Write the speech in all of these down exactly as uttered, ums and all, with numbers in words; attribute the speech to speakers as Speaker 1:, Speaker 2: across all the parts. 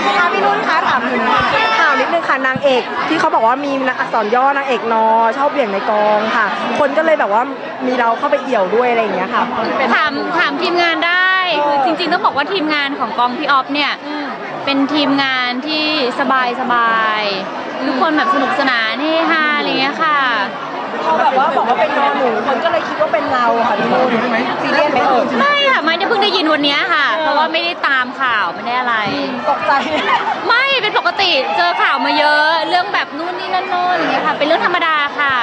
Speaker 1: ค่ะพี่นุ่นคะถามถึงข่าวนิดนึงค่ะนางเอกที่เขาบอกว่ามีอักษรย่อนางเอกนอชอบเบี่ยงในกองค่ะคนก็เลยแบบว่ามีเราเข้าไปเอี่ยวด้วยอะไรอย่างเงี้ยค่ะ
Speaker 2: ถามถามทีมงานได้คือจริงๆต้องบอกว่าทีมงานของกองพี่ออฟเนี่ยเป็นทีมงานที่สบายสบายทุกคนแบบสนุกสนานเฮฮาอะไรเงี้ยค่ะ
Speaker 1: พอแบบว่าบอกว่าเป็นนอหนูคนก็เลยคิดว่าเป็นเราค่ะพี่นุ่นซีเรียสไหมเอ่ย
Speaker 2: ไม่ค่ะไม่ได้เพิ่งได้ยินวันนี้ค่ะเพราะว่าไม่ได้ตามข่าวไม่ได้อะไร
Speaker 1: ตกใจ
Speaker 2: ไม่เป็นปกติเจอข่าวมาเยอะเรื่องแบบนู่นนี่นั่นโน่นอย่างเงี้ยค่ะเป็นเรื่องธรรมดาค่ะ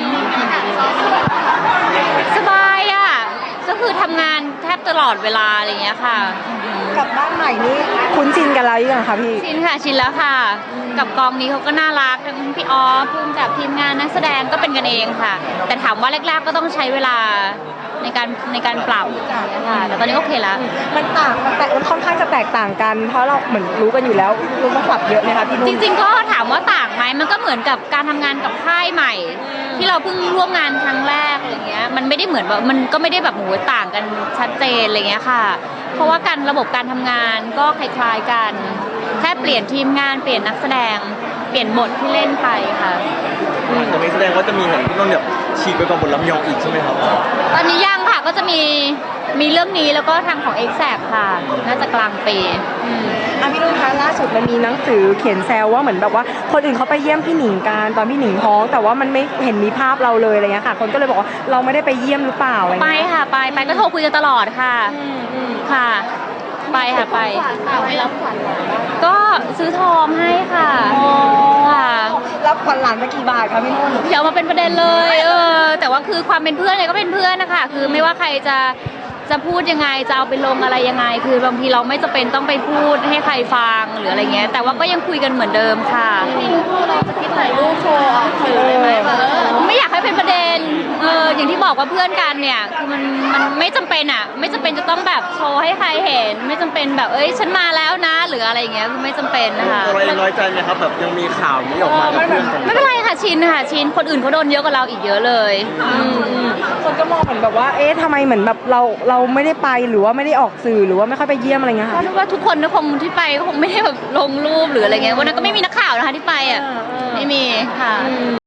Speaker 2: สบายอ่ะก็คือทำงานแทบตลอดเวลาอะไรเงี้ยค่ะ
Speaker 1: กลับบ้านใหม่นี่คุ้นชินกันแล้วยังคะพี่
Speaker 2: ชินค่ะชินแล้วค่ะกับกองนี้เขาก็น่ารักทั้งพี่ออฟพุ่มกับทีมงานนักแสดงก็เป็นกันเองค่ะแต่ถามว่าแรกๆก็ต้องใช้เวลาในการในการปรับค่ะแต่ตอนนี้โอเคแล้ว
Speaker 1: มันต่างมันแตกมันค่อนข้างจะแตกต่างกันเพราะเราเหมือนรู้กันอยู่แล้วรู้มาปรับเยอะไหมคะพี่นุ่น
Speaker 2: จริงๆก็ถามว่าต่างไหมมันก็เหมือนกับการทำงานกับค่ายใหม่ที่เราเพิ่งร่วมงานครั้งแรกอะไรเงี้ยมันไม่ได้เหมือนแบบมันก็ไม่ได้แบบโหต่างกันชัดเจนอะไรเงี้ยค่ะเพราะว่าการระบบการทำงานก็คล้ายๆกันแค่เปลี่ยนทีมงานเปลี่ยนนักแสดงเปลี่ยนบทที่เล่นไปค่ะ
Speaker 3: จะไม่แสดงว่าจะมีเห็นพี่นนท์แบบฉีกไปกับบทลำยองอีกใช่ไหมครับ
Speaker 2: ตอนนี้ยังค่ะก็จะมีมีเรื่องนี้แล้วก็ทางของ เอ็กแซค ค่ะน่าจะกลางปี
Speaker 1: อ่ะพี่นุ่นคะล่าสุดมันมีหนังสือเขียนแซวว่าเหมือนแบบว่าคนอื่นเขาไปเยี่ยมพี่หนิงกันตอนพี่หนิงท้องแต่ว่ามันไม่เห็นมีภาพเราเลยอะไรเงี้ยค่ะคนก็เลยบอกว่าเราไม่ได้ไปเยี่ยมหรือเปล่าอะไร
Speaker 2: ไปค่ะไปไปก็โทรคุยกันตลอดค่ะค่ะไปค่ะไปไม่รับขวัญก็ซื้อทองให้ค่ะค่ะ
Speaker 1: รับขวัญหลานมากี่บาทคะพี่นุ่น
Speaker 2: อย่ามาเป็นประเด็นเลยเออแต่ว่าคือความเป็นเพื่อนเนี่ยก็เป็นเพื่อนนะคะคือไม่ว่าใครจะจะพูดยังไงจะเอาไปลงอะไรยังไงคือบางทีเราไม่จำเป็นต้องไปพูดให้ใครฟังหรืออะไรเงี้ยแต่ว่าก็ยังคุยกันเหมือนเดิมค่ะ
Speaker 1: เราจะคิดถ่ายรูปโชว์ออกสื่อได้ไหม
Speaker 2: ไม่อยากให้เป็นประเด็นเอออย่างที่บอกว่าเพื่อนกันเนี่ยคือมันมันไม่จำเป็นอ่ะไม่จำเป็นจะต้องแบบโชว์ให้ใครเห็นไม่จำเป็นแบบเอ้ยฉันมาแล้วนะหรืออะไรอย่างเงี้ยคือไม่จำเป็นนะคะ
Speaker 3: ตัวเราน้อยใจไหมครับแบบยังมีข่าวนี้ออกมากับเพื่อน
Speaker 2: ไม่เป็นไรค่ะชินค่ะชินคนอื่นเขาโดนเยอะกว่าเราอีกเยอะเลย
Speaker 1: คนก็มองเหมือนแบบว่าเอ๊ะทำไมเหมือนแบบเราเราไม่ได้ไปหรือว่าไม่ได้ออกสื่อหรือว่าไม่ค่อยไปเยี่ยมอะไรเงี้ยค่ะ
Speaker 2: เพราะว่าทุกคนคงที่ไปคงไม่ได้แบบลงรูปหรืออะไรเงี้ยวันนั้นก็ไม่มีนักข่าวนะคะที่ไปอ่ะไม่มีค่ะ